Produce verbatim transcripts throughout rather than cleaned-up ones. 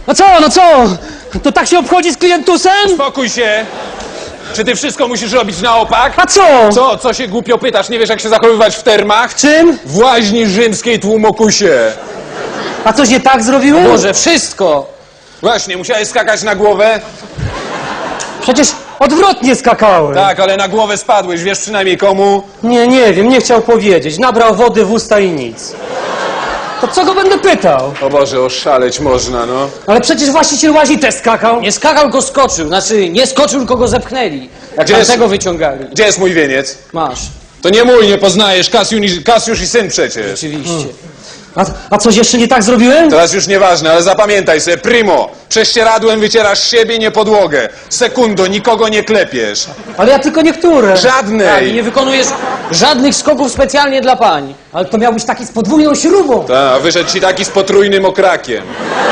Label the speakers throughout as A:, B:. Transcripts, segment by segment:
A: No co, no co? To tak się obchodzi z klientusem?
B: Spokój się! Czy ty wszystko musisz robić na opak?
A: A co?
B: Co? Co się głupio pytasz? Nie wiesz, jak się zachowywać w termach?
A: Czym?
B: W łaźni rzymskiej tłumokusie.
A: A coś nie tak zrobiłem?
C: Boże, wszystko!
B: Właśnie, musiałeś skakać na głowę?
A: Przecież odwrotnie skakałem.
B: Tak, ale na głowę spadłeś. Wiesz przynajmniej komu?
A: Nie, nie wiem, nie chciał powiedzieć. Nabrał wody w usta i nic. To co go będę pytał?
B: O Boże, oszaleć można, no.
A: Ale przecież właściciel łazi też skakał.
C: Nie skakał, go skoczył. Znaczy, nie skoczył, tylko go zepchnęli. Jak
B: Gdzie jest-
C: tamtego wyciągali.
B: Gdzie jest mój wieniec?
C: Masz,
B: To nie mój, nie poznajesz. Kasiusz, Kasiusz i syn przecież.
C: oczywiście.
A: A, a coś jeszcze nie tak zrobiłem?
B: Teraz już nieważne, ale zapamiętaj sobie, primo, prześcieradłem wycierasz siebie, nie podłogę. Sekundo, nikogo nie klepiesz.
A: Ale ja tylko niektóre.
C: Tak, i
B: Żadnej.
C: nie wykonujesz żadnych skoków specjalnie dla pań.
A: Ale to miał być taki z podwójną śrubą.
B: Ta, wyszedł ci taki z potrójnym okrakiem.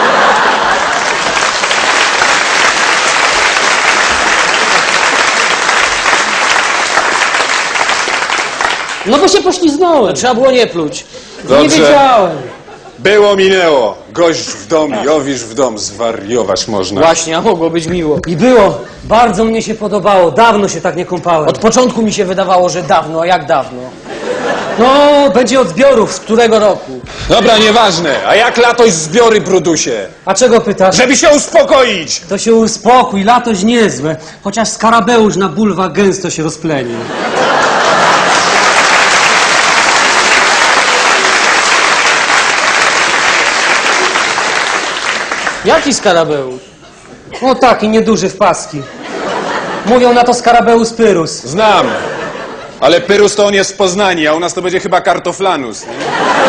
A: No bo się pośliznąłem.
C: Trzeba było nie pluć.
A: Nie
B: Dobrze.
A: wiedziałem.
B: Było, minęło. Gość w dom, Jowisz w dom. Zwariować można.
C: Właśnie, a mogło być miło.
A: I było. Bardzo mnie się podobało. Dawno się tak nie kąpałem.
C: Od początku mi się wydawało, że dawno, a jak dawno?
A: No, będzie od zbiorów.
C: Z którego roku?
B: Dobra, nieważne. A jak latoś zbiory, Brudusie?
A: A czego pytasz?
B: Żeby się uspokoić!
A: To się uspokój, latoś niezłe. Chociaż skarabeusz na bulwa gęsto się rozplenił.
C: Jaki skarabeusz?
A: No taki nieduży w paski. Mówią na to skarabeus pyrus.
B: Znam. Ale Pyrus to on jest w Poznaniu, a u nas to będzie chyba kartoflanus. Nie?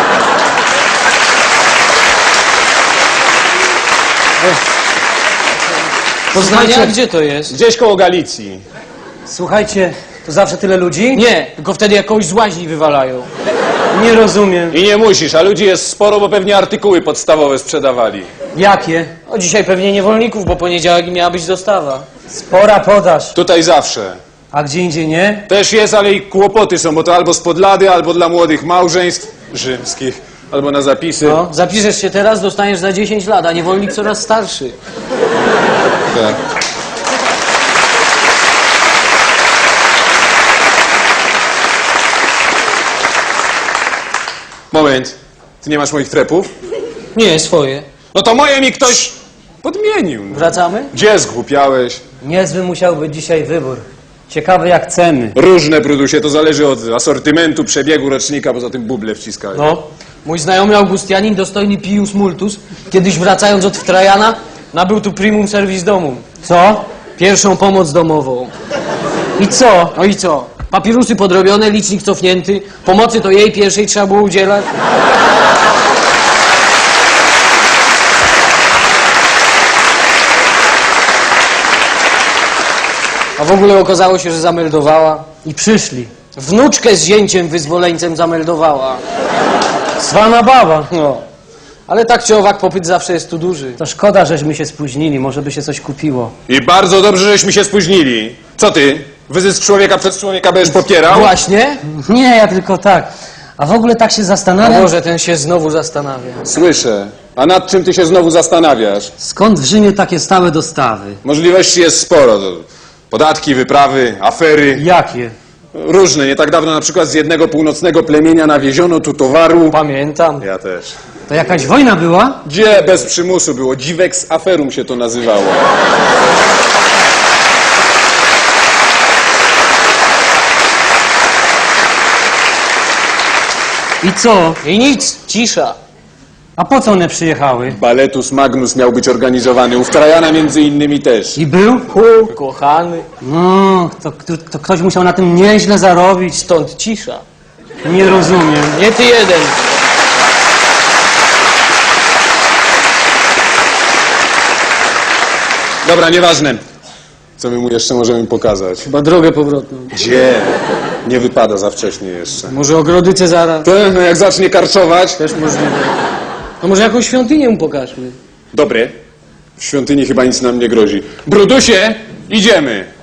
C: Poznania?
A: Słuchajcie.
C: Gdzie to jest?
B: Gdzieś koło Galicji.
A: Słuchajcie, to zawsze tyle ludzi?
C: Nie, tylko wtedy jakąś z łaźni wywalają.
A: Nie rozumiem.
B: I nie musisz, a ludzi jest sporo, bo pewnie artykuły podstawowe sprzedawali.
A: Jakie?
C: O, dzisiaj pewnie niewolników, bo poniedziałek miała być dostawa.
A: Spora podaż.
B: Tutaj zawsze.
A: A gdzie indziej nie?
B: Też jest, ale i kłopoty są, bo to albo z podlady, albo dla młodych małżeństw rzymskich, albo na zapisy.
C: No, zapiszesz się teraz, dostaniesz za dziesięć lat, a niewolnik coraz starszy.
B: Tak. Moment. Ty nie masz moich trepów?
C: Nie, swoje.
B: No to moje mi ktoś podmienił. No.
C: Wracamy?
B: Gdzie zgłupiałeś?
A: Niezły musiał być dzisiaj wybór. Ciekawy jak ceny.
B: Różne, Brudusie, to zależy od asortymentu, przebiegu rocznika, poza tym buble wciskają.
C: No. Mój znajomy Augustianin, dostojny Pius Multus, kiedyś wracając od Trajana, nabył tu primum servis domum.
A: Co?
C: Pierwszą pomoc domową.
A: I co?
C: No i co? Papirusy podrobione, licznik cofnięty. Pomocy to jej pierwszej trzeba było udzielać. A w ogóle okazało się, że zameldowała.
A: I przyszli.
C: Wnuczkę z zięciem wyzwoleńcem zameldowała.
A: Cwana baba.
C: No. Ale tak czy owak popyt zawsze jest tu duży.
A: To szkoda, żeśmy się spóźnili. Może by się coś kupiło.
B: I bardzo dobrze, żeśmy się spóźnili. Co ty? Wyzysk człowieka przez człowieka będziesz popierał?
C: Właśnie?
A: Nie, ja tylko tak. A w ogóle tak się
C: A
A: zastanawiam,
C: może ten się znowu zastanawia.
B: Słyszę. A nad czym ty się znowu zastanawiasz?
A: skąd w Rzymie takie stałe dostawy?
B: Możliwości jest sporo. To podatki, wyprawy, afery.
A: Jakie?
B: Różne. Nie tak dawno na przykład z jednego północnego plemienia nawieziono tu towaru.
C: Pamiętam.
B: Ja też.
A: To jakaś wojna była?
B: Gdzie bez przymusu było? Dziwex aferum się to nazywało.
A: I co?
C: I nic, cisza.
A: A po co one przyjechały?
B: Baletus Magnus miał być organizowany. U Trajana między innymi też.
A: I był?
C: Hu, kochany.
A: No, to, to, to ktoś musiał na tym nieźle zarobić.
C: Stąd cisza.
A: Nie rozumiem.
C: Nie ty jeden.
B: Dobra, nieważne. Co my mu jeszcze możemy pokazać?
C: Chyba drogę powrotną.
B: Gdzie? Nie wypada za wcześnie jeszcze.
C: Może ogrody Cezara?
B: Ten, no jak zacznie karczować.
C: Też możliwe. No może jakąś świątynię mu pokażmy.
B: Dobre. W świątyni chyba nic nam nie grozi. Brudusie, idziemy.